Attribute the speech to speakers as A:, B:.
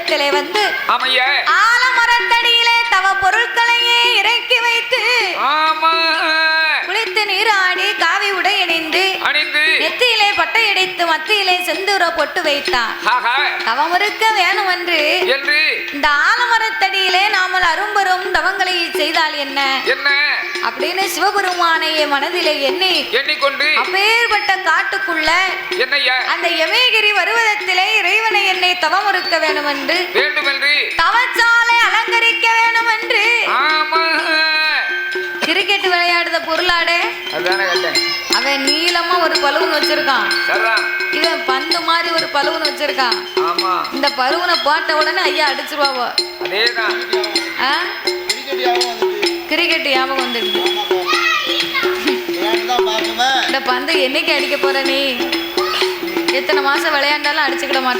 A: வடிவத்திலே வந்து
B: ஆமையா
A: ஆலமரத்தடியிலே தவ பொருட்களையே இறக்கி வைத்து
B: ஆமா
A: குளித்து நீராடி காவி உடை அணிந்து நெத்தியிலே பட்டை அடித்து மத்தியிலே செந்தூர பொட்டு வைத்தான். தவம் இருக்க வேணும் என்று இந்த ஆலமரத்தடியிலே நாமல் அரும்பெரும் தவங்களை செய்தால் என்ன அப்படின்னு சிவபெருமானையே மனதிலே எண்ணிக்கொண்டு அப்பேற்பட்ட காட்டுக்குள்ள அந்த யமேகிரி வருவதத்திலே இறைவனை என்னை தவம் இருக்க வேண்டும் என்று தவச்சாலை அலங்கரிக்க வேண்டும் என்று கிரிக்கெட் விளையாடுத பொருளாடே அவன் நீளமா ஒரு பலூன் வச்சிருக்கான், இவன் பந்து மாதிரி ஒரு பலூன் வச்சிருக்கான். இந்த பலூனை போட்ட உடனே ஐயா அடிச்சிருவாவோ. கிரிக்கெட் ஞாபகம் வந்துடுது. இந்த பந்து என்னைக்கு அடிக்க போற நீ? எத்தனை மாசம் விளையாண்டாலும் அடிச்சுக்கிட மாட்டேன்.